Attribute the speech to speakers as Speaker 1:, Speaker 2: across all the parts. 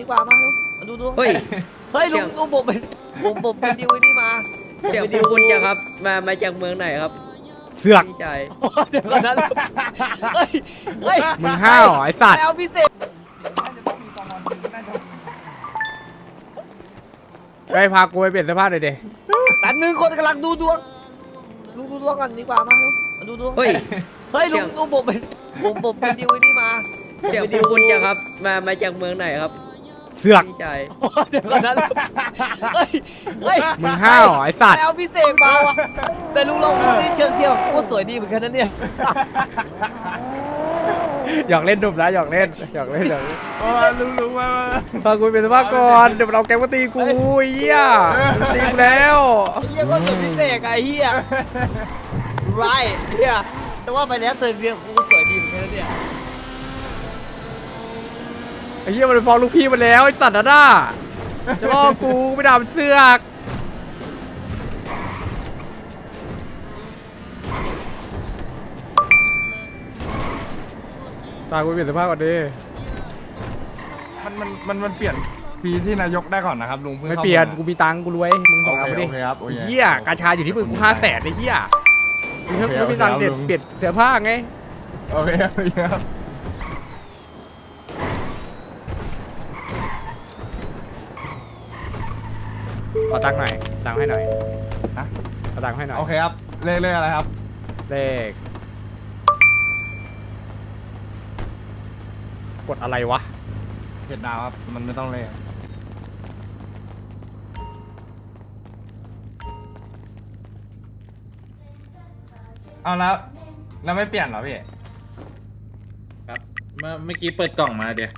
Speaker 1: ดีกว่ามาดูดู
Speaker 2: เฮ้ย
Speaker 1: เฮ้ย
Speaker 2: เสี
Speaker 1: ลุ
Speaker 2: ยง
Speaker 1: งผมเป็นดิวไอ้นี่มา
Speaker 2: เสียงคุ้นๆจังครับมาจากเมืองไหนครับ
Speaker 3: เสือก
Speaker 2: พี่ชาย
Speaker 1: เดี๋ยวก่อนนะเฮ้ยเฮ้ย
Speaker 3: มึงห้าวไอ้สัตว์
Speaker 1: ไปเอาพิเศษ
Speaker 3: ไปพากูไปเปลี่ยนเสื้อผ้าหน่อยดิ
Speaker 1: แป๊บนึงคนกำลังดูดวงลุงดูดวงกันดีกว่ามาดูดวง
Speaker 2: เฮ้ย
Speaker 1: เฮ้ย
Speaker 2: เสี
Speaker 1: ลุ
Speaker 2: ยง
Speaker 1: งผมเป็นดิวไอ้นี่มา
Speaker 2: เสียงคุ้นๆจังครับมาจากเมืองไหนครับ
Speaker 3: เสือก
Speaker 2: พี่ชาย
Speaker 1: เดี๋ยวก่อนนะเฮ้ยเฮ้ย
Speaker 3: มึงห้าวไอ้สัต
Speaker 1: ไป
Speaker 3: ว์
Speaker 1: เอาพิเศษมาวะแต่ลุงลองดูนี่เชิงเที่ยวโคตรสวยดีเหมือนกันนะเนี่ย
Speaker 3: หยอกเล่นดุมนะหยอกเล่นหยอกเล่น
Speaker 4: ลุงมา
Speaker 3: พากูไปเปลี่ยนเสื้อผ้าก่อนเดี๋ยวมันเอาแกงมาตีกูไอ้เหี้ยมันตีกูแล้ว
Speaker 1: ไอ้เหี้ยก็สวยพิเศษไอ้เหี้ยไรเหี้ยแต่ว่าไปแล้วเธอเรียกกูสวยดีเหมือนกันนะเนี่ย
Speaker 3: ไอ้เหี้ยมันไปฟ้องลูกพี่มันแล้วไอ้สัตว์น่ะจะล่อกูไม่ด่ามันเสือกตากูไปเปลี่ยนเสื้อผ้าก่อนดิ
Speaker 4: มันเปลี่ยนปีที่นายกได้ก่อนนะครับลุง
Speaker 3: ไม่เปลี่ยนกูมีตังค์กูรวยมึงบอกเอาไปดิ
Speaker 4: โอเคครับโอเค
Speaker 3: เหี้ยกาชาอยู่ที่มึงกู500,000ไอ้เหี้ยมึงไม่มีตังค์เปลี่ยนเสื้อผ้าไง
Speaker 4: โอเคครับ
Speaker 3: ขอตังค์หน่อยตังค์ให้หน่อย
Speaker 4: นะ
Speaker 3: ขอตังค์ให้หน่อย
Speaker 4: โอเคครับเลขอะไรครับ
Speaker 3: เลขกดอะไรวะ
Speaker 4: เจ็ดดาวครับมันไม่ต้องเลขเอาแล้วไม่เปลี่ยนเหรอพี่
Speaker 5: ครับเมื่อกี้เปิดกล่องมาเดี๋ยว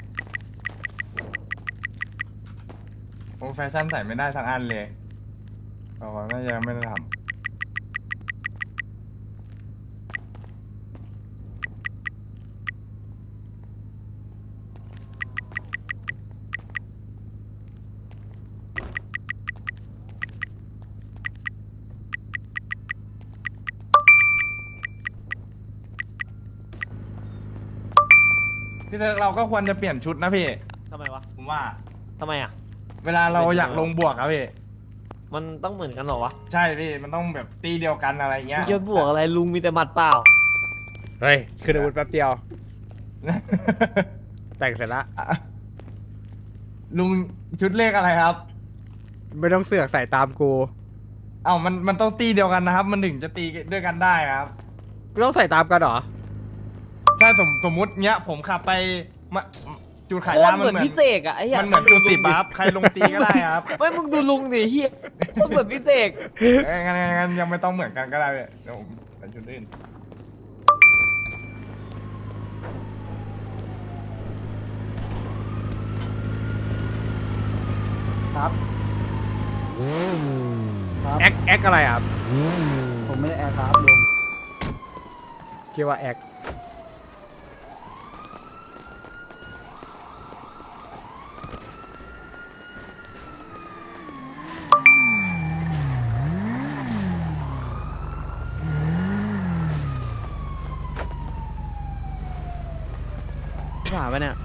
Speaker 4: โอ้แฟชั่นใส่ไม่ได้สักอันเลยเอาไว้น่าจะยังไม่ได้ทำพี่เธอเราก็ควรจะเปลี่ยนชุดนะพี่
Speaker 1: ทำไมวะ
Speaker 4: ผมว่า
Speaker 1: ทำไมอ่ะ
Speaker 4: เวลาเราอยากลงบวกครับพี่
Speaker 1: มันต้องเหมือนกันเหรอวะ
Speaker 4: ใช่พี่มันต้องแบบตีเดียวกันอะไรเงี้ย
Speaker 1: มึงจะบวกอะไรลุงมีแต่หมัดเปล่า
Speaker 3: เฮ้ยขึ้นอาวุธแป๊บเดียวแต่งเสร็จละ
Speaker 4: ลุงชุดเลขอะไรครับ
Speaker 3: ไม่ต้องเสือกใส่ตามกู
Speaker 4: เอ้ามันต้องตีเดียวกันนะครับ มันถึงจะตีด้วยกันได้ครับ
Speaker 3: ไม่ต้องใส่ตามกันเหรอ
Speaker 4: ถ้าสมมุติเนี้ยผมขับไปมาจุดขาย
Speaker 1: โคต
Speaker 4: ยาร มั
Speaker 1: เหมือนพิเศษอ่ะไอ้เหี้ย
Speaker 4: มันเหมือนจุดสิบอะครับใครลงตีก็ได้ครับ
Speaker 1: ไม่มึงดูลุงดิเหี้ยโคตรเหมือนพิเศษ
Speaker 4: งั้นยังไม่ต้องเหมือนกันก็ได้เลยเดี๋ยวผมเป็นชุดอื่น
Speaker 6: ครับ
Speaker 3: แอคอะไรอ่ะ
Speaker 6: ผมไม่ได้แอร์ครับลุง
Speaker 3: คิดว่าแอค
Speaker 1: ผ่าไปเนี่ย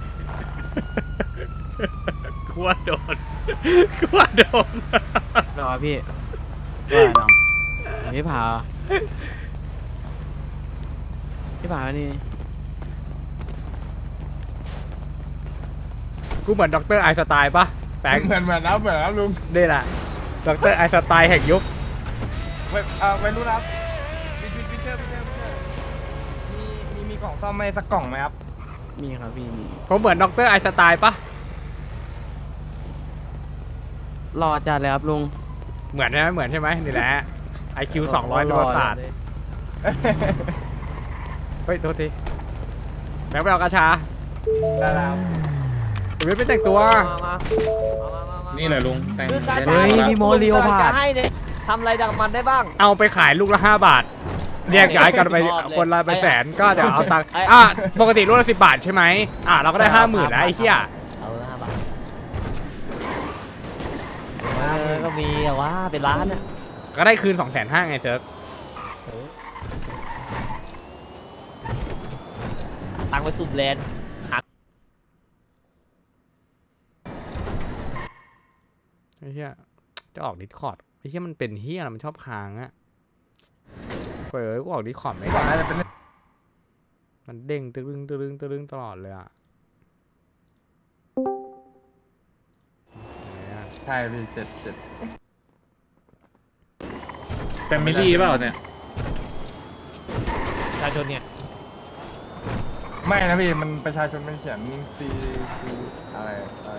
Speaker 3: กลัวโดนกลัวโดน
Speaker 1: รอพี่ว่าน้องพี่ผ่านี่
Speaker 3: กูเหมือนด็อกเตอร์ไอน์สไตล์ปะแฟง
Speaker 4: เหมือนนะลุง
Speaker 3: นี่แหละด็อกเตอร์ไอน์สไตล์แห่งยุค
Speaker 4: ไปรู้นะครับพี่เชอร์มีกล่องซ่อมไหมสักกล่องไหมครับ
Speaker 1: มีครับพี่มี
Speaker 3: ผมเหมือนด็อกเตอร์ไอน์สไตล์ปะ
Speaker 1: รอจัดเลยครับลุง
Speaker 3: เหมือนใช่ไหมเหมือนใช่ไหมนี่แหละ IQ 200ในประวัติศาสตร์เฮ้ยโทษทีแบงค์ไปเอากระชา
Speaker 4: ได้แล้ว
Speaker 3: ผมไม่ไปแต่งตัว
Speaker 1: มา
Speaker 5: นี่แหละลุงแต่ง
Speaker 1: คือการ
Speaker 5: ได้
Speaker 1: ใช้
Speaker 5: แล้ว
Speaker 1: มีโมเรียวผ่าให้เนี่ยทำอะไรดังมันได้บ้าง
Speaker 3: เอาไปขายลูกละ5 บาทแยกย้ายกันไป
Speaker 1: ชอบเลย
Speaker 3: คนละไปแสนก็เดี๋ยวเอาตังค์
Speaker 1: ไอ้
Speaker 3: ปกติลูกละ10 บาทใช่ไหมเราก็ได้ 50,000แล้วไอ้เหี้ย
Speaker 1: เอา5 บาทก็มีอะว่าเป็นล้านอะ
Speaker 3: ก็ได้คืน 250,000ไงเซิร์ฟ
Speaker 1: ตังไปสุดแลนด์
Speaker 3: ไอ้เหี้ยจะออกดิสคอร์ดไอ้เหี้ยมันเป็นเหี้ยอะไรมันชอบค้างอะเปิดกูออกดิสคอร์ดไม่
Speaker 4: ก่อน
Speaker 3: ได้
Speaker 4: น่าจะเป็น
Speaker 3: มันเด้งตึ้งตึ้งตึ้งตลอดเลยอะไหนอะ
Speaker 4: ใช่พี่เจ็ด
Speaker 5: แฟมิลี่เปล่าเนี่ย
Speaker 1: ประชาชนเนี่ย
Speaker 4: ไม่นะพี่มันประชาชนมันเขียน C อะไร